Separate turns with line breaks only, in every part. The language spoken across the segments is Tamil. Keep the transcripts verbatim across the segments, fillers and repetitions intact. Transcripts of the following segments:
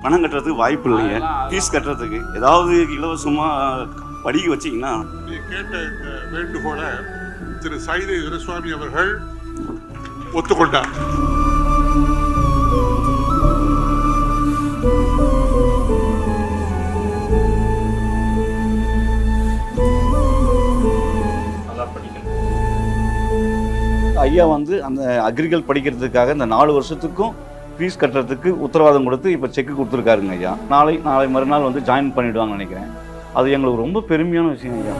பணம் கட்டுறதுக்கு வாய்ப்பு இல்லைங்க. ஃபீஸ் கட்டுறதுக்கு ஏதாவது இலவசமாக படிக்க வச்சிங்கன்னா.
கேட்ட இந்த வேண்டுகோளை திரு சைதை துரைசுவாமி அவர்கள் ஒத்துக்கொண்டார்.
ஐயா வந்து அந்த அக்ரிகல் படிக்கிறதுக்காக இந்த நாலு வருஷத்துக்கும் ஃபீஸ் கட்டுறதுக்கு உத்தரவாதம் கொடுத்து இப்போ செக்கு கொடுத்துருக்காருங்க ஐயா. நாளை நாளை மறுநாள் வந்து ஜாயின் பண்ணிவிடுவாங்கன்னு நினைக்கிறேன். அது எங்களுக்கு ரொம்ப பெருமையான விஷயம் ஐயா.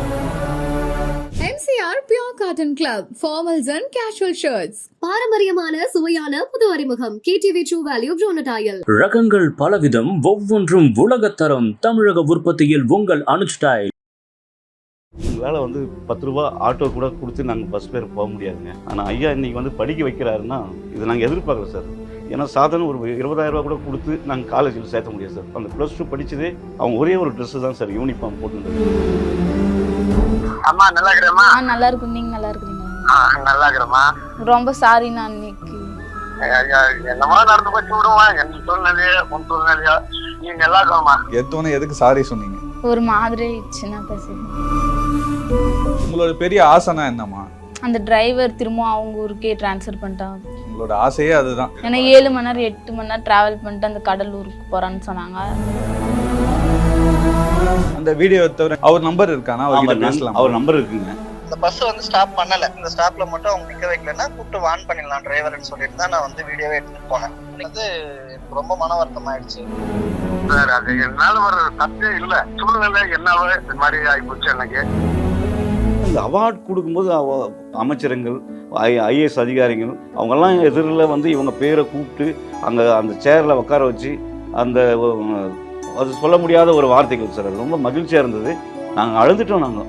M C R Pure Cotton Club, formals and casual shirts.
பாரம்பரியமான சுவையான புது அறிமுகம் K T V True Value Bronadial.
ரகங்கள் பலவிதம், ஒவ்வொன்றும் உலகத்தரம். தமிழக உற்பத்தியில் உங்கள் அனுஜ் ஸ்டைல்.
எங்களால் வந்து பத்து ரூபா ஆட்டோ கூட கொடுத்து நாங்கள் பஸ் பேர் போக முடியாதுங்க. ஆனால் ஐயா இன்னைக்கு வந்து படிக்க வைக்கிறாருன்னா இது நாங்கள் எதிர்பார்க்கல சார். ஏன்னா சாதாரண ஒரு இருபதாயிரம் ரூபா கூட கொடுத்து நாங்கள் காலேஜில் சேர்த்த முடியாது சார். அந்த ப்ளஸ் டூ படித்ததே அவங்க ஒரே ஒரு ட்ரெஸ்ஸு தான் சார் யூனிஃபார்ம் போட்டுருந்தது.
அம்மா நல்லா இருக்கிறேம்மா.
ஆ நல்லா இருக்கும். நீங்க நல்லா இருக்கீங்களா?
ஆ நல்லா இருக்கிறேம்மா.
ரொம்ப சாரி நான் இன்னைக்கு
என்னமா நடந்து போச்சு விடுமா. என் சூழ்நிலையோ உன் சூழ்நிலையோ நீ நல்லா இருக்கணுமா.
எத்தோன்னு எதுக்கு சாரி சொன்னீங்க?
ஒரு மாதிரி சின்ன பேசுறேன்.
உங்களோட பெரிய ஆசைனா என்னம்மா?
அந்த டிரைவர் திரும்ப அவங்க ஊருக்கே டிரான்ஸ்ஃபர் பண்ணிட்டாங்க.
உங்களோட ஆசையே அதுதான்.
ஏன்னா ஏழு மணி நேரம் எட்டு மணி நேரம் டிராவல் பண்ணிட்டு அந்த கடலூருக்கு போறான்னு சொன்னாங்க.
அந்த வீடியோ தவிர அவர் நம்பர் இருக்கானா? அவர் பேசலாம்.
அவர் நம்பர் இருக்குங்க.
இந்த பஸ் வந்து ஸ்டாப் பண்ணல. இந்த ஸ்டாப்ல மட்டும் அவங்க நிக்க வைக்கலன்னா கூப்பிட்டு வான் பண்ணிடலாம் டிரைவர்னு சொல்லிட்டு தான் நான் வந்து வீடியோவே எடுத்துட்டு போனேன். வந்து எனக்கு ரொம்ப மன வருத்தம் ஆயிடுச்சு சார். அது என்னால ஒரு தப்பே இல்லை. சூழ்நிலை என்னவோ இந்த மாதிரி ஆகிப்போச்சு எனக்கு.
இந்த அவார்டு கொடுக்கும்போது அவ அமைச்சரங்கள் ஐ ஐஏஎஸ் அதிகாரிகள் அவங்கெல்லாம் எதிரில் வந்து இவங்க பேரை கூப்பிட்டு அங்கே அந்த சேரில் உட்கார வச்சு அந்த அது சொல்ல முடியாத ஒரு வார்த்தைகள் சார். அது ரொம்ப மகிழ்ச்சியாக இருந்தது. நாங்கள் அழுதுட்டோம். நாங்கள்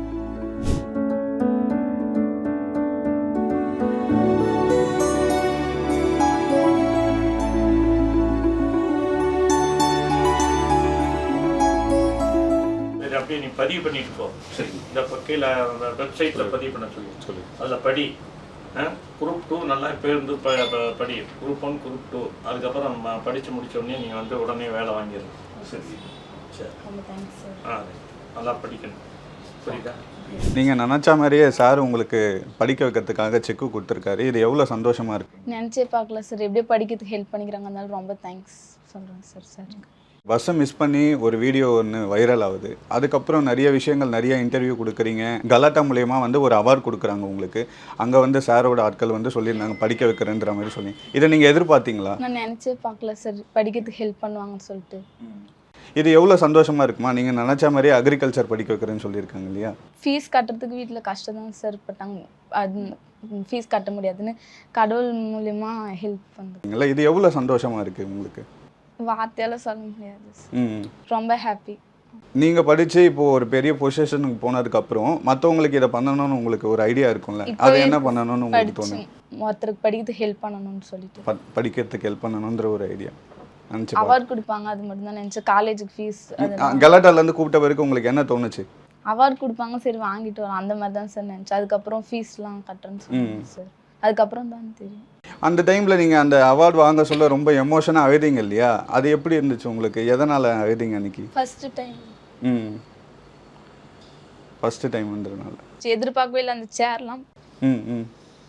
அப்படியே நீ பதிவு பண்ணிட்டு போ. சரி, இந்த கீழே வெப்சைட்டில் பதிவு பண்ண சொல்லி சொல்லி அதில் படி. குரூப் டூ நல்லா பேருந்து ப படி. குரூப் ஒன் குரூப் டூ அதுக்கப்புறம் படித்து முடித்த உடனே நீங்கள் வந்து உடனே வேலை வாங்கிடணும். சரி சரி ஆ நல்லா படிக்கணும். புரியுதா?
நீங்கள் நினச்சா மாதிரியே சார் உங்களுக்கு படிக்க வைக்கிறதுக்காக செக்கு கொடுத்துருக்காரு. இது எவ்வளோ சந்தோஷமாக இருக்குது.
நினச்சே பார்க்கல சார். எப்படியோ படிக்கிறதுக்கு ஹெல்ப் பண்ணிக்கிறாங்க. அதனால ரொம்ப தேங்க்ஸ் சொல்கிறேன் சார். சார்
பஸ்ஸை மிஸ் பண்ணி ஒரு வீடியோ ஒன்று வைரல் ஆகுது. அதுக்கப்புறம் நிறைய விஷயங்கள் நிறைய இன்டர்வியூ கொடுக்குறீங்க. கலாட்டா மூலயமா வந்து ஒரு அவார்டு கொடுக்குறாங்க உங்களுக்கு. அங்கே வந்து சாரோட ஆட்கள் வந்து சொல்லியிருந்தாங்க படிக்க வைக்கிறேன்ற மாதிரி சொல்லி. இதை நீங்கள் எதிர்பார்த்தீங்களா?
நான் நினச்சே பார்க்கல சார் படிக்கிறதுக்கு ஹெல்ப் பண்ணுவாங்கன்னு சொல்லிட்டு.
இது எவ்வளோ சந்தோஷமாக இருக்குமா? நீங்கள் நினச்ச மாதிரியே அக்ரிகல்ச்சர் படிக்க வைக்கிறேன்னு சொல்லியிருக்காங்க இல்லையா?
ஃபீஸ் கட்டுறதுக்கு வீட்டில் கஷ்டம் தான் சார் பட்டாங்க. அது ஃபீஸ் கட்ட முடியாதுன்னு கடவுள் மூலயமா ஹெல்ப் பண்ணுறீங்களா?
இது எவ்வளோ சந்தோஷமாக இருக்குது உங்களுக்கு?
வார்த்தையால சொல்ல முடியாது. ரொம்ப ஹாப்பி.
நீங்கள் படித்து இப்போது ஒரு பெரிய பொசிஷனுக்கு போனதுக்கப்புறம் மற்றவங்களுக்கு இதை பண்ணணும்னு உங்களுக்கு ஒரு ஐடியா இருக்கும்ல. அதை என்ன பண்ணணும்னு உங்களுக்கு தோணும்?
ஒருத்தருக்கு படிக்கிறதுக்கு ஹெல்ப் பண்ணணும்னு சொல்லிட்டு
படிக்கிறதுக்கு ஹெல்ப் பண்ணணுன்ற ஒரு ஐடியா நினச்சி
அவார்டு கொடுப்பாங்க. அது மட்டும் தான் நினச்சேன். காலேஜுக்கு ஃபீஸ்
கலாட்டாலேருந்து கூப்பிட்ட வரைக்கும் உங்களுக்கு என்ன தோணுச்சு?
அவார்டு கொடுப்பாங்க, சரி வாங்கிட்டு வரோம் அந்த மாதிரி தான் சார் நினச்சேன். அதுக்கப்புறம் ஃபீஸ்லாம் கட்டுறேன்னு சொன்னாங்க சார். அதுக்கப்புறம் தான் தெரியும்.
அந்த டைமில் நீங்கள் அந்த அவார்டு வாங்க சொல்ல ரொம்ப எமோஷனாக அழுதிங்க இல்லையா? அது எப்படி இருந்துச்சு உங்களுக்கு? எதனால் அழுதிங்க அன்றைக்கி?
First time.
ம் ஃபஸ்ட்டு டைம்ன்றதுனால
எதிர்பார்க்கவே இல்லை அந்த சேர்லாம்.
ம் ம்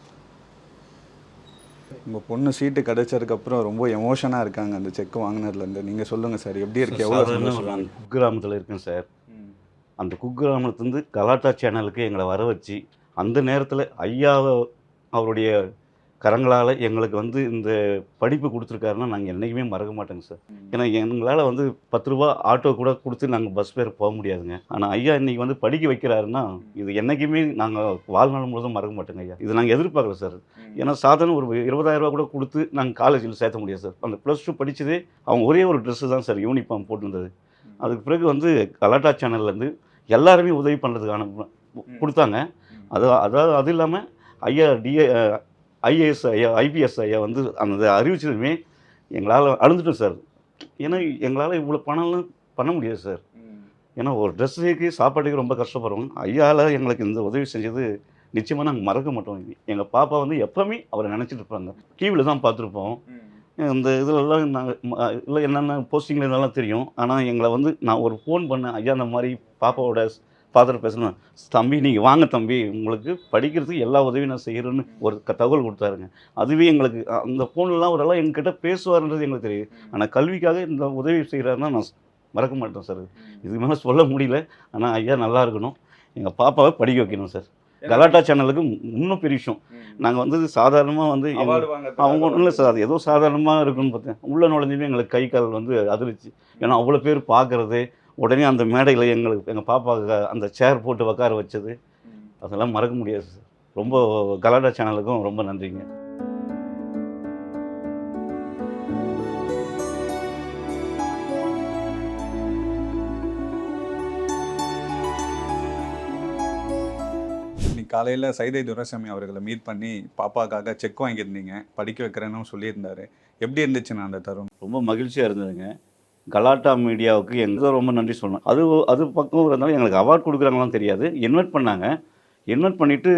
உங்கள் பொண்ணு சீட்டு கிடைச்சதுக்கப்புறம் ரொம்ப எமோஷனாக இருக்காங்க அந்த செக் வாங்கினதுலேருந்து. நீங்கள் சொல்லுங்கள் சார், எப்படி இருக்கு? எவ்வளோ சந்தோஷம்.
குக்கிராமத்தில் இருக்கேன் சார். அந்த குக்கிராமத்துலேருந்து கலாட்டா சேனலுக்கு எங்களை வர வச்சு அந்த நேரத்தில் ஐயாவை அவருடைய கரங்களால் எங்களுக்கு வந்து இந்த படிப்பு கொடுத்துருக்காருன்னா நாங்கள் என்றைக்குமே மறக்க மாட்டோங்க சார். ஏன்னா எங்களால் வந்து பத்து ரூபா ஆட்டோ கூட கொடுத்து நாங்கள் பஸ் பேர் போக முடியாதுங்க. ஆனால் ஐயா இன்றைக்கி வந்து படிக்க வைக்கிறாருன்னா இது என்றைக்குமே நாங்கள் வாழ்நாள் முழுதும் மறக்க மாட்டோங்க ஐயா. இது நாங்கள் எதிர்பார்க்கல சார். ஏன்னா சாதாரண ஒரு இருபதாயிரம் ரூபா கூட கொடுத்து நாங்கள் காலேஜில் சேர்த்த முடியாது சார். அந்த ப்ளஸ் டூ படித்ததே அவங்க ஒரே ஒரு ட்ரெஸ்ஸு தான் சார் யூனிஃபார்ம் போட்டிருந்தது. அதுக்கு பிறகு வந்து கலாட்டா சேனல்லேருந்து எல்லாருமே உதவி பண்ணுறதுக்கான கொடுத்தாங்க. அது அதாவது அது இல்லாமல் ஐயா டிஏ ஐஏஎஸ் ஐயா ஐபிஎஸ் ஐயா வந்து அந்த அறிவிச்சதுமே எங்களால் அழுந்துட்டோம் சார். ஏன்னா எங்களால் இவ்வளோ பணம்லாம் பண்ண முடியாது சார். ஏன்னா ஒரு ட்ரெஸ்ஸுக்கு சாப்பாட்டுக்கு ரொம்ப கஷ்டப்படுறோம். ஐயாவில் எங்களுக்கு இந்த உதவி செஞ்சது நிச்சயமாக நாங்கள் மறக்க மாட்டோம். எங்கள் பாப்பா வந்து எப்போவுமே அவரை நினச்சிட்டு இருப்பாங்க. டிவியில் தான் பார்த்துருப்போம். இந்த இதிலெல்லாம் நாங்கள் இல்லை என்னென்ன போஸ்டிங்கில் இதெல்லாம் தெரியும். ஆனால் எங்களை வந்து நான் ஒரு ஃபோன் பண்ணேன், ஐயா இந்த மாதிரி பாப்பாவோட ஃபாதர் பேசணும், தம்பி நீங்கள் வாங்க தம்பி, உங்களுக்கு படிக்கிறதுக்கு எல்லா உதவியும் நான் செய்கிறேன்னு ஒரு க தகவல் கொடுத்தாருங்க. அதுவே எங்களுக்கு அந்த ஃபோன்லாம் அவரெல்லாம் எங்ககிட்ட பேசுவார்ன்றது எங்களுக்கு தெரியுது. ஆனால் கல்விக்காக இந்த உதவி செய்கிறாருன்னா நான் மறக்க மாட்டேன் சார். இதுக்கு மேலே சொல்ல முடியல. ஆனால் ஐயா நல்லா இருக்கணும், எங்கள் பாப்பாவை படிக்க வைக்கணும் சார். கலாட்டா சேனலுக்கு இன்னும் பெரிய விஷயம், நாங்கள் வந்து சாதாரணமாக வந்து அவங்க ஒன்றும் இல்லை சார், அது ஏதோ சாதாரணமாக இருக்குன்னு பார்த்தேன். உள்ளே நுழைஞ்சுமே எங்களுக்கு கை கால் வந்து அதிர்ச்சி. ஏன்னா அவ்வளோ பேர் பார்க்குறது, உடனே அந்த மேடையில் எங்களுக்கு எங்கள் பாப்பாவுக்கு அந்த சேர் போட்டு உட்கார வச்சது, அதெல்லாம் மறக்க முடியாது சார். ரொம்ப கலாட்டா சேனலுக்கும் ரொம்ப நன்றிங்க.
காலையில் சைதை துரைசாமி அவர்களை மீட் பண்ணி பாப்பாக்காக செக் வாங்கியிருந்தீங்க, படிக்க வைக்கிறேன்னு சொல்லியிருந்தாரு. எப்படி இருந்துச்சுண்ணா அந்த தருணம்?
ரொம்ப மகிழ்ச்சியாக இருந்ததுங்க. கலாட்டா மீடியாவுக்கு எங்கே ரொம்ப நன்றி சொல்லணும். அது அது பக்கம் இருந்தாலும் எங்களுக்கு அவார்ட் கொடுக்குறாங்களாம் தெரியாது. இன்வைட் பண்ணாங்க. இன்வைட் பண்ணிவிட்டு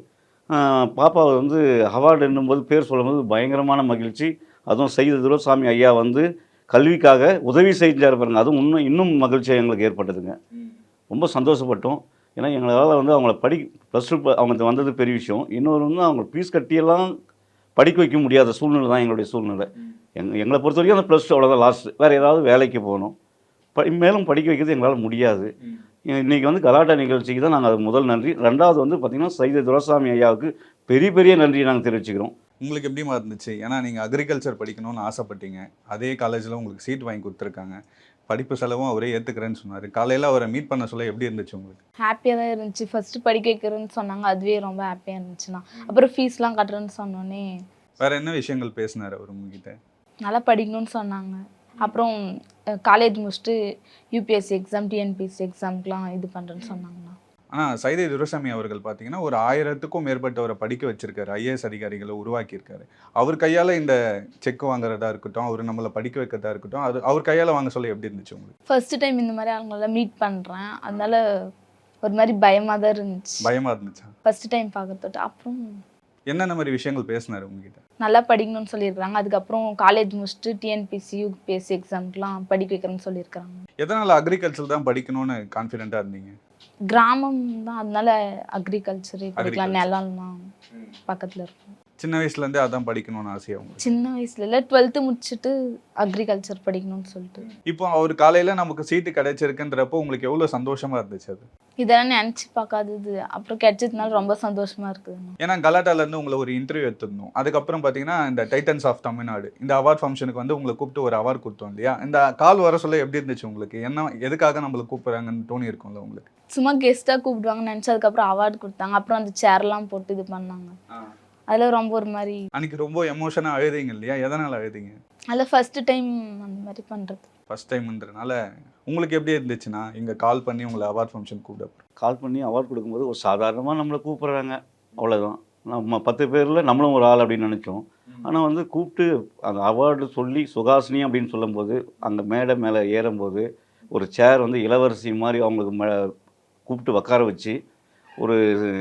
பாப்பாவை வந்து அவார்டு என்னும்போது பேர் சொல்லும்போது பயங்கரமான மகிழ்ச்சி. அதுவும் சைதை துரைசாமி ஐயா வந்து கல்விக்காக உதவி செஞ்சார் பாருங்க, அதுவும் இன்னும் இன்னும் மகிழ்ச்சியாக எங்களுக்கு ஏற்பட்டதுங்க. ரொம்ப சந்தோஷப்பட்டோம். ஏன்னா எங்களால் வந்து அவங்கள படி ப்ளஸ் டூ அவங்க வந்தது பெரிய விஷயம். இன்னொரு வந்து அவங்க ஃபீஸ் கட்டியெல்லாம் படிக்க வைக்க முடியாத சூழ்நிலை தான் எங்களுடைய சூழ்நிலை. எங் எங்களை பொறுத்த வரைக்கும் அந்த ப்ளஸ் டூ அவ்வளோதான் லாஸ்ட்டு. வேறு ஏதாவது வேலைக்கு போகணும், படி மேலும் படிக்க வைக்கிறது எங்களால் முடியாது. இன்றைக்கி வந்து கலாட்டா நிகழ்ச்சிக்கு தான் நாங்கள் அது முதல் நன்றி. ரெண்டாவது வந்து பார்த்திங்கன்னா சைதை துரைசாமி ஐயாவுக்கு பெரிய பெரிய நன்றியை நாங்கள் தெரிவிச்சுக்கிறோம்.
உங்களுக்கு எப்படிமா இருந்துச்சு? ஏன்னா நீங்கள் அக்ரிகல்ச்சர் படிக்கணும்னு ஆசைப்பட்டீங்க, அதே காலேஜில் உங்களுக்கு சீட் வாங்கி கொடுத்துருக்காங்க, படிப்பு செலவும் அவரே ஏற்றுக்கிறேன்னு சொன்னார். காலையில் அவரை மீட் பண்ண சொல்ல எப்படி இருந்துச்சு உங்களுக்கு?
ஹாப்பியாக தான் இருந்துச்சு. ஃபஸ்ட்டு படிக்க வைக்கிறேன்னு சொன்னாங்க, அதுவே ரொம்ப ஹாப்பியாக இருந்துச்சுண்ணா. அப்புறம் ஃபீஸ்லாம் கட்டுறேன்னு சொன்னோன்னே
வேறு என்ன விஷயங்கள் பேசினார் அவர் உங்ககிட்ட?
நல்லா படிக்கணும்னு சொன்னாங்க. அப்புறம் காலேஜ் முடிச்சுட்டு யூபிஎஸ்சி எக்ஸாம், டிஎன்பிஎஸ்சி எக்ஸாம்க்குலாம் இது பண்ணுறேன்னு சொன்னாங்கண்ணா.
ஆனால் சைதை துரைசாமி அவர்கள் பார்த்தீங்கன்னா ஒரு ஆயிரத்துக்கும் மேற்பட்டவரை படிக்க வச்சிருக்காரு, ஐஏஎஸ் அதிகாரிகளை உருவாக்கியிருக்காரு. அவர் கையால் இந்த செக் வாங்குறதா இருக்கட்டும், அவர் நம்மளை படிக்க வைக்கிறதா இருக்கட்டும், அது அவர் கையால் வாங்க சொல்ல எப்படி இருந்துச்சு உங்களுக்கு?
ஃபர்ஸ்ட் டைம் இந்த மாதிரி அவங்களெல்லாம் மீட் பண்ணுறேன், அதனால ஒரு மாதிரி பயமாக தான் இருந்துச்சு.
பயமாக இருந்துச்சா
ஃபர்ஸ்ட் டைம் பார்க்கறதோட? அப்புறம்
என்னென்ன மாதிரி விஷயங்கள் பேசினார் உங்ககிட்ட?
நல்லா படிக்கணும்னு சொல்லியிருக்காங்க. அதுக்கப்புறம் காலேஜ் முடிச்சுட்டு டிஎன்பிஎஸ்சி யூபிஎஸ்சி எக்ஸாம்க்குலாம் படிக்க வைக்கிறேன்னு சொல்லியிருக்காங்க.
எதனால் அக்ரிகல்ச்சர் தான் படிக்கணும்னு கான்ஃபிடென்ட்டாக இருந்தீங்க?
கிராமம் தான், அதனால அக்ரிகல்ச்சர் படிக்கலாம், நிலம்லாம் பக்கத்தில் இருக்கும்.
சின்ன வயசுலேருந்தே அதான் படிக்கணும்னு ஆசையா உங்களுக்கு?
சின்ன வயசுல இல்லை, டுவெல்த்து முடிச்சுட்டு அக்ரிகல்ச்சர் படிக்கணும்னு சொல்லிட்டு.
இப்போ அவர் காலையில் நமக்கு சீட்டு கிடைச்சிருக்குன்றப்போ உங்களுக்கு எவ்வளோ சந்தோஷமாக இருந்துச்சு அது?
இதெல்லாம் நினச்சி பார்க்காதது, அப்புறம் கிடைச்சதுனால ரொம்ப சந்தோஷமாக இருக்குது.
ஏன்னா கலாட்டாலேருந்து உங்களை ஒரு இன்டர்வியூ எடுத்துருந்தோம். அதுக்கப்புறம் பார்த்தீங்கன்னா இந்த டைட்டன்ஸ் ஆஃப் தமிழ்நாடு இந்த அவார்ட் ஃபங்க்ஷனுக்கு வந்து உங்களை கூப்பிட்டு ஒரு அவார்ட் கொடுத்தோம் இல்லையா? இந்த கால் வர சொல்ல எப்படி இருந்துச்சு உங்களுக்கு? என்ன எதுக்காக நம்மளை கூப்பிட்றாங்கன்னு தோணி இருக்கும்ல உங்களுக்கு?
சும்மா கெஸ்ட்டாக கூப்பிடுவாங்கன்னு நினச்சி அதுக்கப்புறம் அவார்டு கொடுத்தாங்க. அப்புறம் அந்த சேர்லாம் போட்டு இது பண்ணாங்க. அதில் ரொம்ப ஒரு மாதிரி
அன்றைக்கி ரொம்ப எமோஷனாக அழுதிங்க இல்லையா? எதனால் அழுதிங்க?
அதில் ஃபஸ்ட்டு டைம் அந்த மாதிரி பண்ணுறது.
ஃபஸ்ட் டைம்ன்றனால உங்களுக்கு எப்படி இருந்துச்சுன்னா இங்கே கால் பண்ணி உங்களை அவார்ட் ஃபங்க்ஷன் கூப்பிட
கால் பண்ணி அவார்ட் கொடுக்கும்போது ஒரு சாதாரணமாக நம்மளை கூப்பிட்றாங்க, அவ்வளோதான். நம்ம பத்து பேரில் நம்மளும் ஒரு ஆள் அப்படின்னு நினச்சோம். ஆனால் வந்து கூப்பிட்டு அந்த அவார்டு சொல்லி சுகாசினி அப்படின்னு சொல்லும்போது அந்த மேடை மேலே ஏறும்போது ஒரு சேர் வந்து இளவரசி மாதிரி அவங்களுக்கு ம கூப்பிட்டு உட்கார வச்சு ஒரு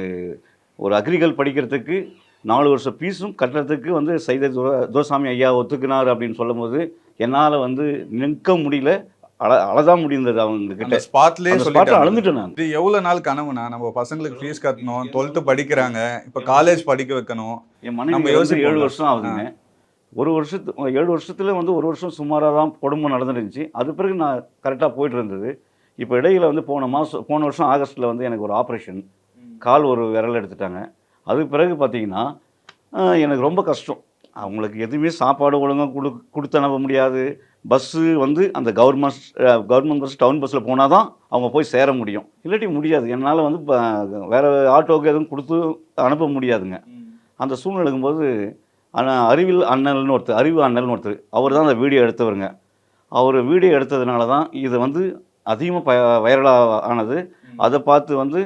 ஒரு அக்ரிகல் படிக்கிறதுக்கு நாலு வருஷம் ஃபீஸும் கட்டுறதுக்கு வந்து சைதை துர துரைசாமி ஐயா ஒத்துக்கினார் அப்படின்னு சொல்லும்போது என்னால் வந்து நிற்க முடியல, அழ அழதான் முடிந்தது. அவங்க கிட்ட
ஸ்பாட்லேயே
ஸ்பாட்டில் அழுந்துட்டேன் நான்.
இது எவ்வளோ நாள் கனவுனா நம்ம பசங்களுக்கு ஃபீஸ் கட்டணும், டுவெல்த்து படிக்கிறாங்க, இப்போ காலேஜ் படிக்க வைக்கணும்.
என் மனைவி யோசிச்சு ஏழு வருஷம் ஆகுதுங்க. ஒரு வருஷத்து ஏழு வருஷத்துல வந்து ஒரு வருஷம் சுமாராக தான் குடும்பம் நடந்துருந்துச்சு. அது பிறகு நான் கரெக்டாக போயிட்டு இருந்தது. இப்போ இடையில வந்து போன மாதம் போன வருஷம் ஆகஸ்ட்டில் வந்து எனக்கு ஒரு ஆப்ரேஷன், கால் ஒரு விரல் எடுத்துட்டாங்க. அதுக்கு பிறகு பார்த்தீங்கன்னா எனக்கு ரொம்ப கஷ்டம். அவங்களுக்கு எதுவுமே சாப்பாடு ஒழுங்காக கொடு கொடுத்து அனுப்ப முடியாது. பஸ்ஸு வந்து அந்த கவர்மெண்ட் கவர்மெண்ட் பஸ் டவுன் பஸ்ஸில் போனால் தான் அவங்க போய் சேர முடியும், இல்லாட்டி முடியாது. என்னால் வந்து இப்போ வேறு ஆட்டோவுக்கு எதுவும் கொடுத்து அனுப்ப முடியாதுங்க. அந்த சூழ்நிலை இருக்கும்போது ஆனால் அறிவில் அண்ணல்னு ஒருத்தர், அறிவு அண்ணல்னு ஒருத்தர், அவர் தான் அந்த வீடியோ எடுத்தவருங்க. அவர் வீடியோ எடுத்ததுனால தான் இது வந்து அதிகமாக ப வைரலாக ஆனது. அதை பார்த்து வந்து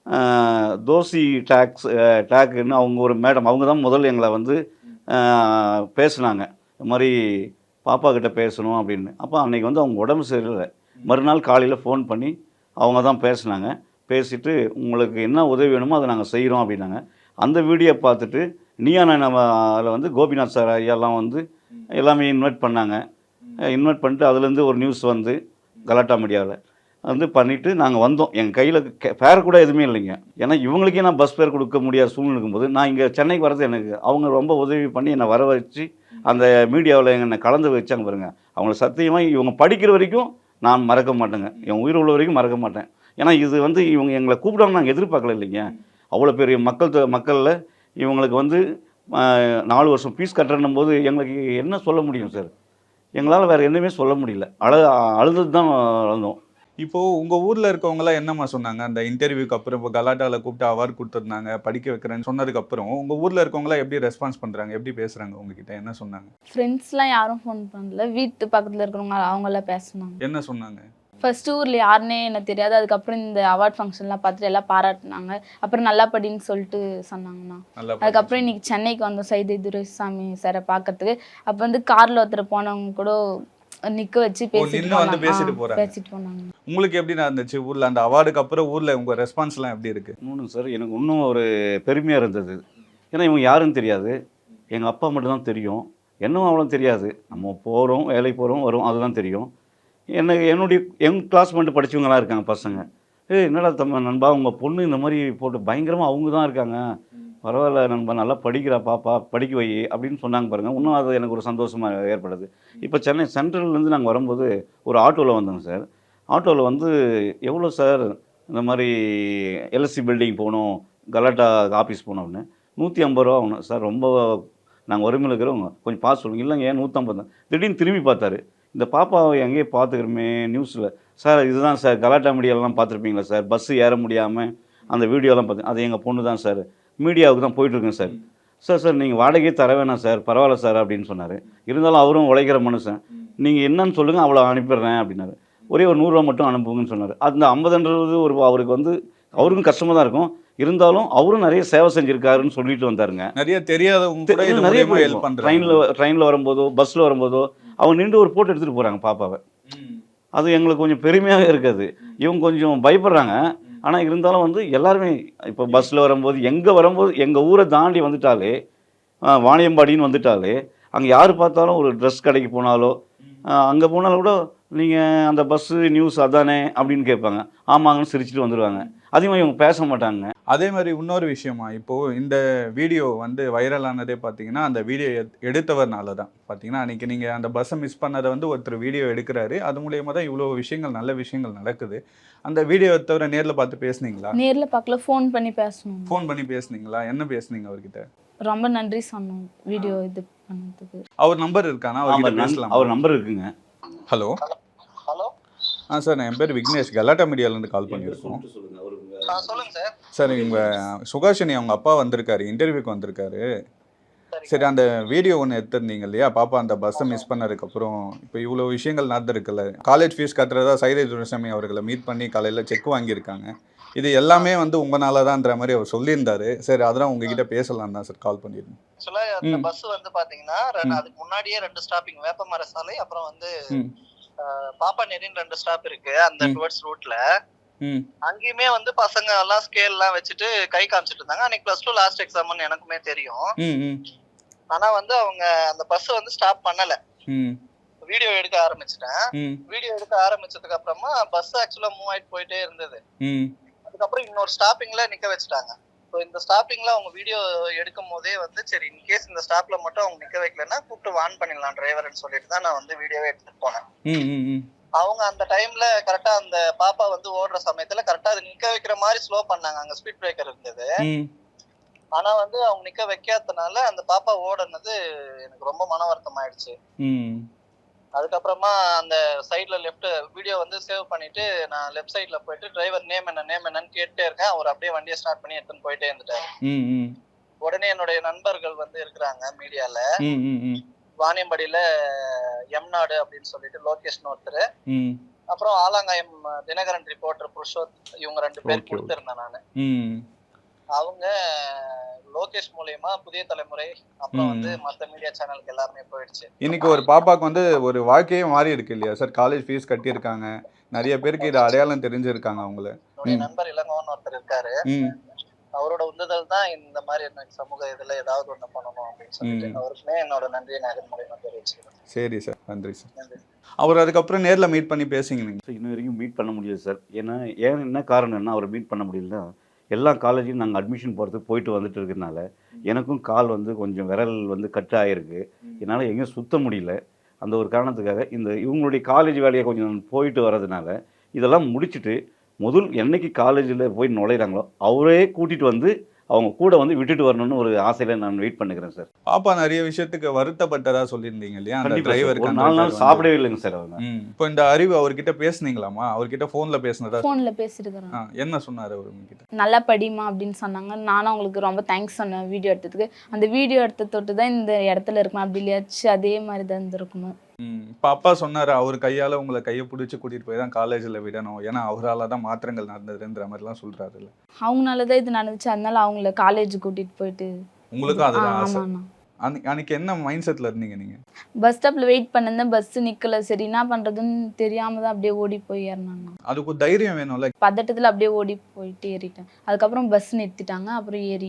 தோசி டேக்ஸ் டேக்குன்னு அவங்க ஒரு மேடம், அவங்க தான் முதல்ல எங்களை வந்து பேசுனாங்க, இந்த மாதிரி பாப்பா கிட்ட பேசணும் அப்படின்னு. அப்போ அன்றைக்கி வந்து அவங்க உடம்பு சரியில்லை. மறுநாள் காலையில் ஃபோன் பண்ணி அவங்க தான் பேசுனாங்க. பேசிவிட்டு உங்களுக்கு என்ன உதவி வேணுமோ அதை நாங்கள் செய்கிறோம் அப்படின்னாங்க. அந்த வீடியோ பார்த்துட்டு நீயா நம்ம அதில் வந்து கோபிநாத் சார் ஐயாலாம் வந்து எல்லாமே இன்வைட் பண்ணாங்க. இன்வைட் பண்ணிட்டு அதுலேருந்து ஒரு நியூஸ் வந்து கலாட்டா மீடியாவில் வந்து பண்ணிவிட்டு நாங்கள் வந்தோம். எங்கள் கையில் ஃபேர் கூட எதுவுமே இல்லைங்க. ஏன்னா இவங்களுக்கே நான் பஸ் ஃபேர் கொடுக்க முடியாத சூழ்நிலை இருக்கும்போது நான் இங்கே சென்னைக்கு வரது எனக்கு அவங்க ரொம்ப உதவி பண்ணி என்னை வர வச்சு அந்த மீடியாவில் என்னை கலந்து வச்சாங்க பாருங்க. அவங்கள சத்தியமாக இவங்க படிக்கிற வரைக்கும் நான் மறக்க மாட்டேங்க. என் உயிர் உள்ள வரைக்கும் மறக்க மாட்டேன். ஏன்னா இது வந்து இவங்க எங்களை கூப்பிடாம நாங்கள் எதிர்பார்க்கல இல்லைங்க. அவ்வளோ பெரிய மக்கள் மக்களில் இவங்களுக்கு வந்து நாலு வருஷம் ஃபீஸ் கட்டுறன்னும் போது எங்களுக்கு என்ன சொல்ல முடியும் சார்? எங்களால் வேறு எதுவுமே சொல்ல முடியல. அழ அழுது தான் அழுந்தோம்.
இப்போது உங்கள் ஊரில் இருக்கவங்களாம் என்னம்மா சொன்னாங்க அந்த இன்டர்வியூக்கு அப்புறம்? இப்போ கலாட்டாவில் கூப்பிட்டு அவார்டு கொடுத்துருந்தாங்க, படிக்க வைக்கிறேன்னு சொன்னதுக்கப்புறம் உங்கள் ஊரில் இருக்கவங்களாம் எப்படி ரெஸ்பான்ஸ் பண்ணுறாங்க, எப்படி பேசுகிறாங்க உங்ககிட்ட, என்ன சொன்னாங்க?
ஃப்ரெண்ட்ஸ்லாம் யாரும் ஃபோன் பண்ணல, வீட்டு பக்கத்தில் இருக்கிறவங்க அவங்களாம் பேசுனாங்க.
என்ன சொன்னாங்க?
ஃபர்ஸ்ட் ஊரில் யாருன்னே எனக்கு தெரியாது. அதுக்கப்புறம் இந்த அவார்ட் ஃபங்க்ஷன்லாம் பார்த்துட்டு எல்லாம் பாராட்டினாங்க. அப்புறம் நல்லா படின்னு சொல்லிட்டு சொன்னாங்கண்ணா. அதுக்கப்புறம் இன்னைக்கு சென்னைக்கு வந்தோம் சைதை துரைசாமி சாரை பார்க்கறதுக்கு. அப்போ வந்து காரில் ஒருத்தர் போனவங்க கூட நிக்க வச்சு பேசிட்டு பேசிட்டு போனாங்க.
உங்களுக்கு எப்படி இருந்துச்சு ஊரில் அந்த அவார்டுக்கு அப்புறம்? ஊரில் உங்கள் ரெஸ்பான்ஸ்லாம் எப்படி இருக்குது?
இன்னொன்று சார், எனக்கு இன்னும் ஒரு பெருமையாக இருந்தது. ஏன்னா இவங்க யாருன்னு தெரியாது, எங்கள் அப்பா மட்டும்தான் தெரியும். என்னவும் அவ்வளோ தெரியாது. நம்ம போகிறோம், வேலைக்கு போகிறோம், வரும், அதுதான் தெரியும். எனக்கு என்னுடைய எங் கிளாஸ்மேட்டு படித்தவங்களாம் இருக்காங்க பசங்க. ஏ என்னடா தம்ம நண்பா, உங்கள் பொண்ணு இந்த மாதிரி போட்டு பயங்கரமாக அவங்க தான் இருக்காங்க, பரவாயில்ல நண்பா, நல்லா படிக்கிறா பாப்பா, படிக்க வை அப்படின்னு சொன்னாங்க பாருங்கள். இன்னும் அது எனக்கு ஒரு சந்தோஷமாக ஏற்படுது. இப்போ சென்னை சென்ட்ரல்லேருந்து நாங்கள் வரும்போது ஒரு ஆட்டோவில் வந்தோங்க சார். ஆட்டோவில் வந்து எவ்வளோ சார் இந்த மாதிரி எல்எஸ்சி பில்டிங் போகணும், கலாட்டா ஆஃபீஸ் போகணும் அப்படின்னு நூற்றி ஐம்பது ரூபா ஆகணும் சார். ரொம்ப நாங்கள் வறுமையில் இருக்கிறவங்க கொஞ்சம் பார்த்து சொல்லுங்கள். இல்லைங்க ஏன் நூற்றம்பது தான். திடீர்னு திரும்பி பார்த்தாரு, இந்த பாப்பாவை எங்கேயே பார்த்துக்கிறோமே நியூஸில் சார், இதுதான் சார் கலாட்டா மீடியாவெலாம் பார்த்துருப்பீங்களா சார், பஸ்ஸு ஏற முடியாமல் அந்த வீடியோலாம் பார்த்து, அது எங்கள் பொண்ணு தான் சார், மீடியாவுக்கு தான் போயிட்டுருக்கேன் சார். சார் சார் நீங்கள் வாடகையே தர வேணாம் சார், பரவாயில்ல சார் அப்படின்னு சொன்னார். இருந்தாலும் அவரும் உழைக்கிற மனுஷன், நீங்கள் என்னன்னு சொல்லுங்கள் அவ்வளோ அனுப்பிடுறேன் அப்படின்னாரு. ஒரே ஒரு நூறுரூவா மட்டும் அனுப்புங்கன்னு சொன்னார். அந்த ஐம்பதுன்றது ஒரு அவருக்கு வந்து அவருக்கும் கஷ்டமாக தான் இருக்கும். இருந்தாலும் அவரும் நிறைய சேவை செஞ்சுருக்காருன்னு சொல்லிட்டு வந்தாருங்க.
நிறைய தெரியாதவங்க
நிறைய ட்ரெயினில் ட்ரெயினில் வரும்போதோ பஸ்ஸில் வரும்போதோ அவங்க நின்று ஒரு ஃபோட்டோ எடுத்துகிட்டு போகிறாங்க பாப்பாவை. அது எங்களுக்கு கொஞ்சம் பெருமையாக இருக்காது. இவங்க கொஞ்சம் பயப்படுறாங்க. ஆனால் இருந்தாலும் வந்து எல்லாருமே இப்போ பஸ்ஸில் வரும்போது எங்கே வரும்போது எங்கள் ஊரை தாண்டி வந்துட்டாலே, வாணியம்பாடின்னு வந்துட்டாலே, அங்கே யார் பார்த்தாலும் ஒரு ட்ரெஸ் கடைக்கு போனாலோ அங்கே போனாலும் கூட நீங்கள் அந்த பஸ்ஸு நியூஸ் அதானே அப்படின்னு கேட்பாங்க. ஆமாங்கன்னு சிரிச்சுட்டு வந்துடுவாங்க. அதிகமாக இவங்க பேச மாட்டாங்க.
அதே மாதிரி இன்னொரு விஷயமா, இப்போது இந்த வீடியோ வந்து வைரலானதே பார்த்தீங்கன்னா அந்த வீடியோ எடுத்தவர்னால தான். பார்த்தீங்கன்னா அன்றைக்கி நீங்கள் அந்த பஸ்ஸை மிஸ் பண்ணதை வந்து ஒருத்தர் வீடியோ எடுக்கிறாரு. அது மூலயமா தான் இவ்வளோ விஷயங்கள், நல்ல விஷயங்கள் நடக்குது. அந்த வீடியோ எடுத்தவரை நேரில் பார்த்து பேசுனீங்களா?
நேரில் பார்க்கல, ஃபோன் பண்ணி பேசணும்.
ஃபோன் பண்ணி பேசுனீங்களா? என்ன பேசுனீங்க அவர்கிட்ட?
ரொம்ப நன்றி சொன்னோம் வீடியோ இது பண்ணதுக்கு.
அவர் நம்பர் இருக்கானா? அவர் பேசலாம்.
அவர் நம்பர் இருக்குங்க.
Hello
hello.
ஆ சார், என் பேர் விக்னேஷ், கலாட்டா மீடியாவிலேருந்து கால் பண்ணியிருக்கோம்.
சொல்லுங்க சார்.
சார் இவங்க சுகாஷினி அவங்க அப்பா வந்திருக்காரு, இன்டர்வியூக்கு வந்திருக்காரு. சரி, அந்த வீடியோ ஒன்று எடுத்திருந்தீங்க இல்லையா, பாப்பா அந்த பஸ்ஸை மிஸ் பண்ணதுக்கப்புறம் இப்போ இவ்வளோ விஷயங்கள் நடந்திருக்குல்ல. காலேஜ் ஃபீஸ் கட்டுறதா சைதை துரைசாமி அவர்களை மீட் பண்ணி காலையில் செக் வாங்கியிருக்காங்க. இது எல்லாமே வந்து உங்களால தான்ன்ற மாதிரி அவர் சொல்லியிருந்தாரு. சரி, அதெல்லாம் உங்ககிட்ட பேசலாம் தான் சார் கால் பண்ணியிருந்தேன்.
ஆக்சுவலாக அந்த பஸ் வந்து பார்த்தீங்கன்னா அதுக்கு முன்னாடியே ரெண்டு ஸ்டாப்பிங், வேப்பமர சாலை, அப்புறம் வந்து பாப்பா நெறின்னு ரெண்டு ஸ்டாப் இருக்கு அந்த டுவர்ட்ஸ் ரூட்ல. அங்கேயுமே வந்து பசங்க எல்லாம் ஸ்கேல் எல்லாம் வச்சுட்டு கை காமிச்சிட்டு இருந்தாங்க. அன்னைக்கு பிளஸ் டூ லாஸ்ட் எக்ஸாம்னு எனக்குமே தெரியும். ஆனா வந்து அவங்க அந்த பஸ் வந்து ஸ்டாப் பண்ணல. வீடியோ எடுக்க ஆரம்பிச்சிட்டேன். வீடியோ எடுக்க ஆரம்பிச்சதுக்கு அப்புறமா பஸ் ஆக்சுவலா மூவ் ஆயிட்டு போயிட்டே இருந்தது. அதுக்கப்புறம் இன்னொரு ஸ்டாப்பிங்ல நிக்க வச்சுட்டாங்க. ஸோ இந்த ஸ்டாப்பிங்ல அவங்க வீடியோ எடுக்கும் போதே வந்து சரி இன்கேஸ் இந்த ஸ்டாப்ல மட்டும் அவங்க நிக்க வைக்கலன்னா கூப்பிட்டு வான் பண்ணிடலாம் டிரைவர்னு சொல்லிட்டு தான் நான் வந்து வீடியோவே எடுத்துட்டு போனேன். அவங்க அந்த டைம்ல கரெக்டா அந்த பாப்பா வந்து ஓடுற சமயத்துல கரெக்டா அது நிக்க வைக்கிற மாதிரி ஸ்லோ பண்ணாங்க. அங்க ஸ்பீட் பிரேக்கர் இருந்தது. ஆனா வந்து அவங்க நிக்க வைக்காதனால அந்த பாப்பா ஓடுனது எனக்கு ரொம்ப மன வருத்தம் ஆயிடுச்சு. அதுக்கப்புறமா அந்த சைட்ல லெஃப்ட் வீடியோ வந்து சேவ் பண்ணிட்டு நான் லெஃப்ட் சைட்ல போயிட்டு டிரைவர் நேம் என்ன நேம் என்னன்னு கேட்டே இருக்கேன். அவர் அப்படியே வண்டியை ஸ்டார்ட் பண்ணி எடுத்துன்னு போயிட்டே இருந்துட்டாரு. உடனே என்னுடைய நண்பர்கள் வந்து இருக்கிறாங்க மீடியால, வாணியம்பாடியில எம்நாடு அப்படின்னு சொல்லிட்டு லோகேஷ் ஒருத்தர், அப்புறம் ஆலாங்காயம் தினகரன் ரிப்போர்ட்டர் புருஷோத், இவங்க ரெண்டு பேர் கொடுத்திருந்தேன் நானு. அவங்க லோகேஷ் மூலமா புதிய தலைமுறை அப்புறம் வந்து மத்த மீடியா சேனலுக்கு எல்லாருமே போயிடுச்சு.
இன்னைக்கு ஒரு பாப்பாக்கு வந்து ஒரு வாழ்க்கையே மாறி இருக்கு இல்லையா சார்? காலேஜ் ஃபீஸ் கட்டி இருக்காங்க, நிறைய பேருக்கு இது அடையாளம் தெரிஞ்சிருக்காங்க. அவங்கள
என்னுடைய நண்பர் இளங்கோன்னு ஒருத்தர் இருக்காரு. அவரோட உந்துதல் தான் இந்த மாதிரி எனக்கு சமூக இதுல ஏதாவது ஒண்ணு பண்ணணும் அப்படின்னு சொல்லிட்டு அவருக்குமே என்னோட நன்றியை நான் இதன் மூலியமா தெரிவிச்சுக்கிறேன்.
சரி சார், நன்றி சார். அவர் அதுக்கப்புறம் நேரில் மீட் பண்ணி பேசிங்க நீங்கள்?
இன்ன வரைக்கும் மீட் பண்ண முடியாது சார். ஏன்னா ஏன் என்ன காரணம்னா அவரை மீட் பண்ண முடியலன்னா எல்லா காலேஜையும் நாங்கள் அட்மிஷன் போகிறதுக்கு போயிட்டு வந்துட்டு இருக்கிறதுனால எனக்கும் கால் வந்து கொஞ்சம் விரல் வந்து கட் ஆகிருக்கு. என்னால் எங்கேயும் சுத்த முடியல. அந்த ஒரு காரணத்துக்காக இந்த இவங்களுடைய காலேஜ் வேலையை கொஞ்சம் போயிட்டு வர்றதுனால இதெல்லாம் முடிச்சுட்டு முதல் என்னைக்கு காலேஜில் போய் நுழையிறாங்களோ அவரே கூட்டிகிட்டு வந்து அவங்க கூட வந்து விட்டுட்டு வரணும்னு ஒரு ஆசையில் நான் வெயிட் பண்ணுகிறேன் சார்.
பாப்பா நிறைய விஷயத்துக்கு வருத்தப்பட்டதா சொல்லியிருந்தீங்க இல்லையா? அந்த டிரைவருக்கு
நாலு நாள் சாப்பிடவே இல்லைங்க சார் அவங்க.
இப்போ இந்த அறிவு அவர்கிட்ட பேசுனீங்களாமா? அவர்கிட்ட ஃபோனில் பேசினதா?
ஃபோனில் பேசியிருக்கிறேன்.
என்ன சொன்னார் அவர் உங்ககிட்ட?
நல்லா படிமா அப்படின்னு சொன்னாங்க. நானும் அவங்களுக்கு ரொம்ப தேங்க்ஸ் சொன்னேன் வீடியோ எடுத்ததுக்கு. அந்த வீடியோ எடுத்த தொட்டு தான் இந்த இடத்துல இருக்கணும், அப்படி இல்லையாச்சு அதே மாதிரி தான் இருந்திருக்கணும்.
இப்போ அப்பா சொன்னார் அவர் கையால் உங்களை கையை பிடிச்சி கூட்டிகிட்டு போய் தான் காலேஜில் விடணும், ஏன்னா அவரால் தான் மாற்றங்கள் நடந்ததுன்ற மாதிரிலாம் சொல்கிறாருல்ல.
அவங்களால தான் இது நடந்துச்சு, அதனால அவங்கள காலேஜ் கூட்டிகிட்டு போயிட்டு.
உங்களுக்கும் அதில் ஆசை? அன்னைக்கு அன்னைக்கு என்ன மைண்ட் செட்டில் இருந்தீங்க நீங்கள்?
பஸ் ஸ்டாப்பில் வெயிட் பண்ணிருந்தேன், பஸ் நிற்கல. சரி என்ன பண்ணுறதுன்னு தெரியாமல் தான் அப்படியே ஓடி போய் ஏறினாங்க.
அதுக்கு ஒரு தைரியம் வேணும்ல.
பதட்டத்தில் அப்படியே ஓடி போயிட்டு ஏறிட்டேன். அதுக்கப்புறம் பஸ் நிறுத்திட்டாங்க, அப்புறம் ஏறி.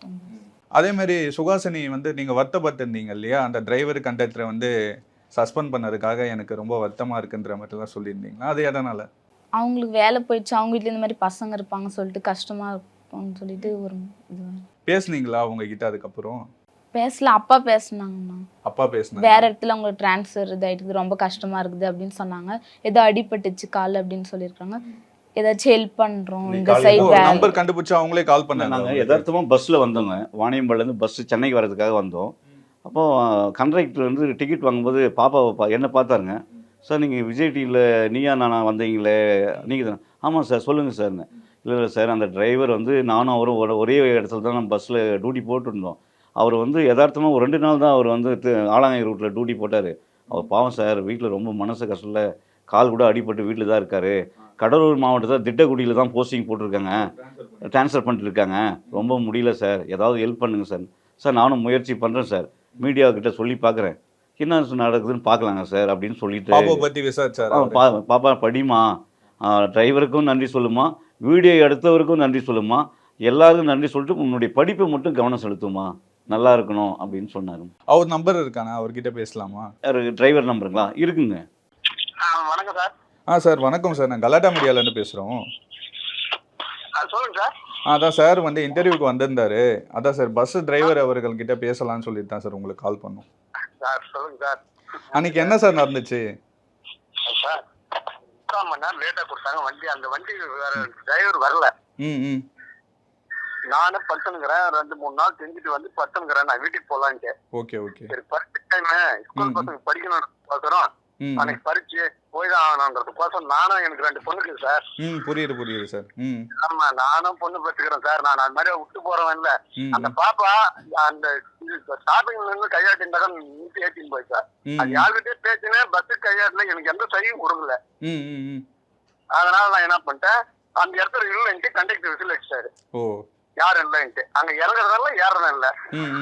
அதே மாதிரி சுகாசினி வந்து நீங்கள் வருத்தப்பட்டிருந்தீங்க இல்லையா? அந்த டிரைவர் கண்டக்டரை வந்து சஸ்பெண்ட் பண்ணதுக்காக எனக்கு ரொம்ப வருத்தமாக இருக்குன்ற மாதிரிலாம் சொல்லியிருந்தீங்களா? அது எதனால்?
அவங்களுக்கு வேலை போயிடுச்சு, அவங்க வீட்டில் இந்த மாதிரி பசங்க இருப்பாங்க சொல்லிட்டு கஷ்டமாக இருக்கும்னு சொல்லிட்டு ஒரு இது.
பேசுனீங்களா அவங்க கிட்ட? அதுக்கப்புறம்
பேசல, அப்பா பேசினாங்கண்ணா.
அப்பா பேசினாங்க.
வேற இடத்துல அவங்களுக்கு டிரான்ஸ்ஃபர் இதாகிட்டு ரொம்ப கஷ்டமாக இருக்குது அப்படின்னு சொன்னாங்க. ஏதோ அடிபட்டுச்சு கால் அப்படின்னு சொல்லியிருக்காங்க. ஏதாச்சும் ஹெல்ப் பண்ணுறோம் இந்த சைட்.
நம்பர் கண்டுபிடிச்சு அவங்களே கால் பண்ணாங்க.
நாங்கள் யதார்த்தமாக பஸ்ஸில் வந்தோங்க. வாணியம்பாடிலேருந்து பஸ்ஸு சென்னைக்கு வர்றதுக்காக வந்தோம். அப்போது கண்டக்டர் வந்து டிக்கெட் வாங்கும்போது பாப்பாவை பா என்ன பார்த்தாருங்க. சார் நீங்கள் விஜய் டிவியில் நீயா நானா வந்தீங்களே நீங்கள் தானே? ஆமாம் சார் சொல்லுங்கள் சார்னு. இல்லை இல்லை சார், அந்த டிரைவர் வந்து நானும் அவரும் ஒரு ஒரே இடத்துல தான் நம்ம பஸ்ஸில் டியூட்டி போட்டுருந்தோம். அவர் வந்து யதார்த்தமாக ஒரு ரெண்டு நாள் தான் அவர் வந்து ஆலாங்கை ரூட்டில் டியூட்டி போட்டார். அவர் பாவம் சார், வீட்டில் ரொம்ப மனசு கஷ்டத்தில் கால் கூட அடிபட்டு வீட்டில் தான் இருக்கார். கடலூர் மாவட்டத்தில் திட்டக்குடியில் தான் போஸ்டிங் போட்டிருக்காங்க, ட்ரான்ஸ்ஃபர் பண்ணிட்டுருக்காங்க. ரொம்ப முடியல சார், ஏதாவது ஹெல்ப் பண்ணுங்கள் சார். சார் நானும் முயற்சி பண்ணுறேன் சார், மீடியாக்கிட்ட சொல்லி பார்க்குறேன், என்ன நடக்குதுன்னு பார்க்கலாங்க சார் அப்படின்னு சொல்லிட்டு
பாப்பா பற்றி விசாரிச்சார்.
பா பாப்பா படிமா, டிரைவருக்கும் நன்றி சொல்லுமா, வீடியோ எடுத்தவருக்கும் நன்றி சொல்லுமா, எல்லாருக்கும் நன்றி சொல்லிட்டு உன்னுடைய படிப்பை மட்டும் கவனம் செலுத்துமா, நல்லா இருக்கணும் அப்படின்னு சொன்னார்.
அவர் நம்பர் இருக்கானா? அவர்கிட்ட பேசலாமா?
டிரைவர் நம்பருங்களா? இருக்குங்க.
வணக்கம் சார்.
ஆ சார் வணக்கம் சார், நான் கலாட்டா மீடியாவிலேருந்து பேசுகிறோம்.
சொல்லுங்க சார்.
அதான் சார் வந்து இன்டர்வியூக்கு வந்திருந்தாரு. அதான் சார் பஸ் டிரைவர் அவர்கள் கிட்ட பேசலாம்னு சொல்லிட்டு தான் சார் உங்களுக்கு கால் பண்ணோம்.
சார் சொல்லுங்க சார்.
அன்னைக்கு என்ன சார் நடந்துச்சு?
சார் முக்கால் மணி நேரம் லேட்டாக கொடுத்தாங்க வண்டி. அந்த வண்டி வேற டிரைவர் வரல. ம் ம் நானும் படுத்துனுங்கிறேன். ரெண்டு மூணு நாள் செஞ்சுட்டு வந்து படுத்துனுங்கிறேன், நான் வீட்டுக்கு போகலான்ட்டு.
Okay okay.
சரி பரிட்சை டைமு, ஸ்கூல் பசங்க படிக்கணும் பார்க்குறோம், அன்னைக்கு பரிச்சு போய் தான் ஆகணுன்றதுக்கோசம் நானும், எனக்கு ரெண்டு பொண்ணுக்கு சார்.
ம் புரியுது புரியுது சார். ம்
ஆமா நானும் பொண்ணு பெற்றுக்கிறேன் சார். நான் அது மாதிரி விட்டு போறவன் இல்ல. அந்த பாப்பா அந்த ஸ்டார்டிங்ல இருந்து கையாட்டிருந்தா நீட்டு ஏற்றின்னு போய் சார். அது யாருக்கிட்டே பேசினேன், பஸ்ஸு கையாட்டின, எனக்கு எந்த சையும் கொடுக்கல. அதனால நான் என்ன பண்ணிட்டேன், அந்த இடத்துல இல்லைன்ட்டு கண்டக்டர் விசில் வச்சிட்டாரு. யாரும் இல்லைன்ட்டு அங்க இறங்குறதால ஏறதும் இல்லை.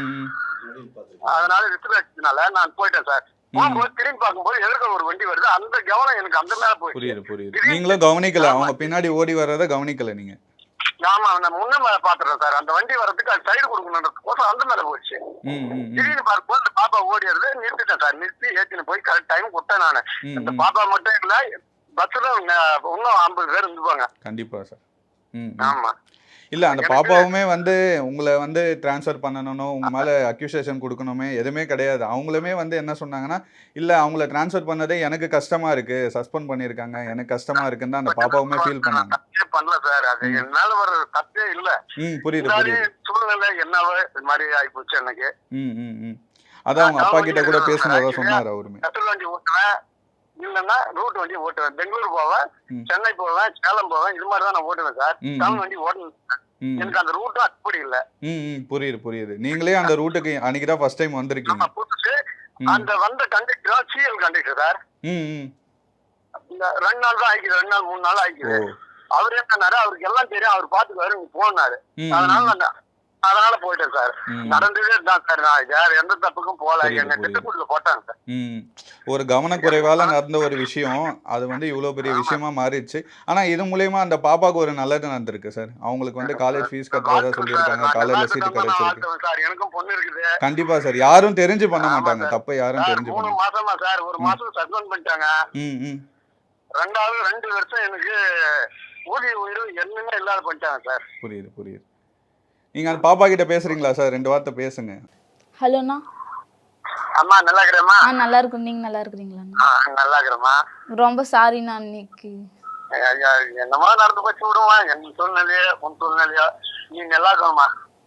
அதனால விசில் வச்சதுனால நான் போயிட்டேன் சார். திரும்பி பார்க்கும்போது எதிர்க்க ஒரு வண்டி வருது, அந்த கவனம் எனக்கு அந்த மேல போய்.
புரியுது புரியுது. நீங்களும் கவனிக்கல, அவங்க பின்னாடி ஓடி வர்றத கவனிக்கல நீங்க?
ஆமா, நான் முன்ன மேல பாத்துறேன் சார். அந்த வண்டி வர்றதுக்கு அது சைடு கொடுக்கணுன்றதுக்கோசம் அந்த மேல போயிடுச்சு. திடீர்னு பார்க்கும்போது அந்த பாப்பா ஓடிடுறது நிறுத்திட்டேன் சார். நிறுத்தி ஏற்றின்னு போய் கரெக்ட் டைம் கொடுத்தேன் நானு. இந்த பாப்பா மட்டும் இல்ல, பஸ்ல இன்னும் ஐம்பது பேர் இருந்துப்பாங்க.
கண்டிப்பா சார்.
ஆமா.
இல்லை அந்த பாப்பாவுமே வந்து உங்களை வந்து டிரான்ஸ்ஃபர் பண்ணணும், உங்கள் மேலே அக்யூசேஷன் கொடுக்கணுமே எதுவுமே கிடையாது. அவங்களுமே வந்து என்ன சொன்னாங்கன்னா, இல்லை அவங்கள டிரான்ஸ்ஃபர் பண்ணதே எனக்கு கஷ்டமாக இருக்குது, சஸ்பெண்ட் பண்ணியிருக்காங்க, எனக்கு கஷ்டமாக இருக்குன்னு தான் அந்த பாப்பாவுமே ஃபீல் பண்ணாங்க.
பண்ணல சார், அது என்னால் ஒரு தப்பே இல்லை.
ம் புரியுது புரியுது.
சூழ்நிலை என்னவோ இது மாதிரி ஆகிப்போச்சு எனக்கு.
ம் ம் ம் அதான் அவங்க அப்பா கிட்ட கூட பேசுனதா சொன்னார் அவருமே.
கட்டல் வண்டி ஓட்டுவேன், இல்லைன்னா ரூட் வண்டி ஓட்டுவேன். பெங்களூர் போவேன், சென்னை போவேன், சேலம் போவேன், இது மாதிரி தான் நான் ஓட்டுவேன் சார். தமிழ் வண்டி ஓட்டணும். எனக்கு அந்த ரூட்டும் அப்படி இல்ல.
ம் புரியுது புரியுது. நீங்களே அந்த ரூட்டுக்கு அன்னைக்கு தான் ஃபர்ஸ்ட் டைம் வந்திருக்கீங்க.
புதுசு. அந்த வந்த கண்டக்டர் சிஎல் கண்டக்டர் சார்.
ம்
இந்த ரெண்டு நாள் தான் ஆயிக்குது, ரெண்டு நாள் மூணு நாள் ஆயிக்குது. அவர் என்ன அவருக்கு எல்லாம் தெரியும், அவர் பாத்துக்குவாரு, நீங்க போனாரு. அதனால அதனால போயிட்டேன் சார்.
ம்.
நடந்ததே தான் சார். நான் வேற எந்த தப்புக்கும் போல.
புரியுது,
என்ன
புரியுது.
திட்டுக்குள்ள போட்டாங்க சார்.
ம் ஒரு கவனக்குறைவால நடந்த ஒரு விஷயம் அது வந்து இவ்வளோ பெரிய விஷயமா மாறிடுச்சு. ஆனா இது மூலியமா அந்த பாப்பாவுக்கு ஒரு நல்லது நடந்திருக்கு சார். அவங்களுக்கு வந்து காலேஜ் ஃபீஸ் கட்டுறதா சொல்லியிருக்காங்க.
நான்
காலேஜ்ல
எல்லாத்துக்கும்
சீட்டு
தான் நான்
கிடைச்சிருக்கு.
வாழ்த்துவேன் சார். எனக்கும் பொண்ணு இருக்குது
கண்டிப்பா சார். யாரும் தெரிஞ்சு பண்ண
ஆமா
மாட்டாங்க.
சார்.
தப்பை யாரும்
சார்.
தெரிஞ்சு
மூணு
பண்ண
மாசமா சார். ஒரு
ம்.
மாசம் சஸ்பெண்ட் பண்ணிட்டாங்க.
ம் ம்
ரெண்டாவது ரெண்டு வருஷம் எனக்கு ஊதிய உயிரும் என்னமே இல்லாத பண்ணிட்டாங்க சார்.
புரியுது புரியுது. நீங்க அந்த பாப்பா கிட்ட பேசுறீங்களா சார்? ரெண்டு வார்த்தை பேசுங்க.
ஹலோண்ணா.
அம்மா நல்லா இருக்கிறேம்மா.
ஆ நல்லா இருக்கும். நீங்கள் நல்லா இருக்கிறீங்களாண்ணா?
ஆ, நல்லா இருக்கிறேம்மா.
ரொம்ப சாரிண்ணா இன்னைக்கு.
ஐயா, என்னமா நடந்து போச்சு விடுமா. என் சூழ்நிலையோ உன் சூழ்நிலையோ நீ நல்லா இருக்கணுமா.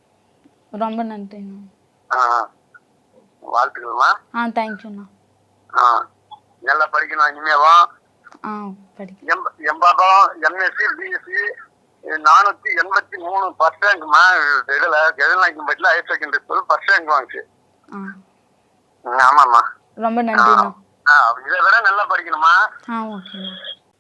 ரொம்ப நன்றிண்ணா.
ஆ, வாழ்த்துக்கள்மா.
ஆ தேங்க்யூண்ணா.
ஆ, நல்லா படிக்கணும் இனிமேவா.
ஆ படி.
எம் எம்பாக்கம் எம்எஸ்சி பிஎஸ்சி நானூத்தி எண்பத்தி மூணு ஃபர்ஸ்ட் ரேங்க்மா. இதுல கெதநாயக்கம்பட்டியில் higher secondary school first rank வாங்கிச்சு.
ஆ
ஆமாம்மா.
ரொம்ப நன்றிண்ணா.
ஆ, இதை விட நல்லா படிக்கணுமா.
ஆ ஓகேண்ணா.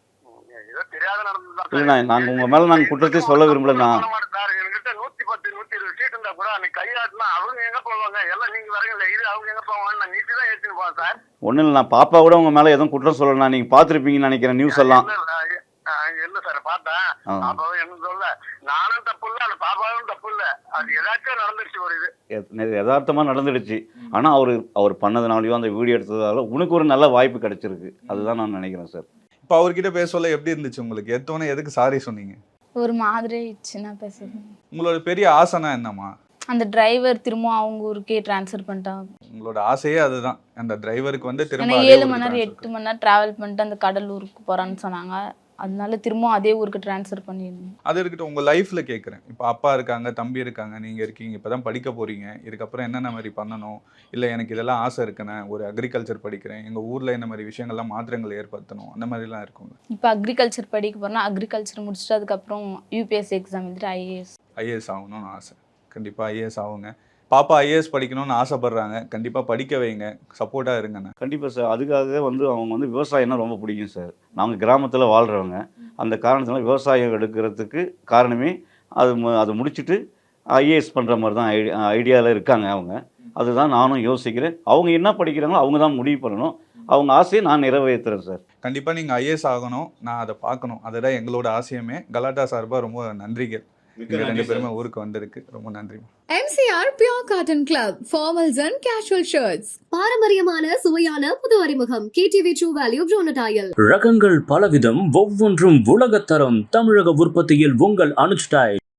ஏதோ தெரியாத நடந்ததுதான்
இல்லைண்ணா, நாங்கள் உங்கள் மேலே நாங்கள் குற்றத்தையும் சொல்ல விரும்பலண்ணா.
சார். என்கிட்ட நூத்தி பத்து நூத்தி இருபது சீட் இருந்தா கூட அன்னைக்கு கையாட்டினா அவங்க எங்க போவாங்க. எல்லாம் நீங்க வரீங்கல்ல, இது அவங்க எங்க போவாங்க. நான் நீட்டி தான் ஏற்றின்னு போவேன் சார்.
ஒன்றும் இல்லை, நான் பாப்பா கூட உங்கள் மேலே எதுவும் குற்றம் சொல்லலைண்ணா. நீங்கள் பார்த்துருப்பீங்கன்னு நினைக்கிறேன் நியூஸ் எல்லாம்.
இல்ல சார், பார்த்தேன்.
ஆ.
பாப்பாவும் என்ன சொல்ல, நானும் தப்பு இல்ல, அந்த பாப்பாவும் தப்பு இல்ல. அது ஏதாச்சும் நடந்துருச்சு ஒரு இது.
எத்- யதார்த்தமா நடந்துடுச்சு. ஆனால் அவர் அவர் பண்ணதுனாலையோ அந்த வீடியோ எடுத்ததால உனக்கு ஒரு நல்ல வாய்ப்பு கிடைச்சிருக்கு. அதுதான் நான் நினைக்கிறேன் சார்.
இப்போ அவர்கிட்ட பேச சொல்ல எப்படி இருந்துச்சு உங்களுக்கு? எடுத்தோன்னே எதுக்கு சாரி சொன்னீங்க?
ஒரு மாதிரி ஆயிடுச்சுண்ணா பேசுறது.
உங்களோட பெரிய ஆசைனா என்னம்மா?
அந்த டிரைவர் திரும்ப அவங்க ஊருக்கே ட்ரான்ஸ்ஃபர் பண்ணிட்டாங்க.
உங்களோட ஆசையே அதுதான். அந்த டிரைவருக்கு வந்து திரும்ப
ஏன்னா
அதே
ஏழு
ஊருக்கு
மணி நேரம்
transfer
எட்டு மணி நேரம் டிராவல் பண்ணிட்டு அந்த கடலூருக்கு போறான்னு சொன்னாங்க. அதனால திரும்ப அதே ஊருக்கு ட்ரான்ஸ்ஃபர் பண்ணிடணும்.
அது இருக்கட்டும். உங்க லைஃப்ல கேட்குறேன். இப்போ அப்பா இருக்காங்க, தம்பி இருக்காங்க, நீங்க இருக்கீங்க, இப்பதான் படிக்க போறீங்க. இதுக்கப்புறம் என்னென்ன மாதிரி பண்ணணும், இல்லை எனக்கு இதெல்லாம் ஆசை இருக்குண்ணே, ஒரு அக்ரிகல்ச்சர் படிக்கிறேன், எங்க ஊர்ல இந்த மாதிரி விஷயங்கள்லாம் மாற்றங்கள் ஏற்படுத்தணும், அந்த மாதிரிலாம் இருக்குங்க.
இப்போ அக்ரிகல்ச்சர் படிக்க போறேன்னா அக்ரிகல்ச்சர் முடிச்சுட்டு அதுக்கப்புறம் யூபிஎஸ்சி எக்ஸாம் எழுதிட்டு ஐஏஎஸ்.
ஐஏஎஸ் ஆகணும்னு ஆசை. கண்டிப்பா ஐஏஎஸ் ஆகுங்க. பாப்பா ஐஏஎஸ் படிக்கணும்னு ஆசைப்படுறாங்க. கண்டிப்பா படிக்க வைங்க, சப்போர்ட்டா இருங்கண்ணே.
கண்டிப்பாக சார். அதுக்காக வந்து அவங்க வந்து விவசாயம்னா ரொம்ப பிடிக்கும் சார். நாங்கள் கிராமத்தில் வாழ்கிறவங்க. அந்த காரணத்தினால விவசாயம் எடுக்கிறதுக்கு காரணமே அது மு- அதை முடிச்சுட்டு ஐஏஎஸ் பண்ணுற மாதிரி தான் ஐடி ஐடியாவில் இருக்காங்க அவங்க. அதுதான் நானும் யோசிக்கிறேன். அவங்க என்ன படிக்கிறாங்களோ அவங்க தான் முடிவு பண்ணணும். அவங்க ஆசையை நான் நிறைவேற்றுறேன் சார்.
கண்டிப்பா நீங்க ஐஏஎஸ் ஆகணும். நான் அதை பார்க்கணும். அதுதான் எங்களோட ஆசையுமே. கலாட்டா சார்பா ரொம்ப நன்றிகள். நீங்க ரெண்டு பேருமே ஊருக்கு வந்திருக்கு. ரொம்ப நன்றி.
M C R Pure Cotton Club, formals and casual shirts.
பாரம்பரியமான சுவையான புது அறிமுகம் கேடிவி ட்ரூ வேல்யூ ப்ரோனட் ஆயில்.
ரகங்கள் பலவிதம், ஒவ்வொன்றும் உலகத்தரம். தமிழக உற்பத்தியில் உங்கள் அனுஜ் ஸ்டைல்.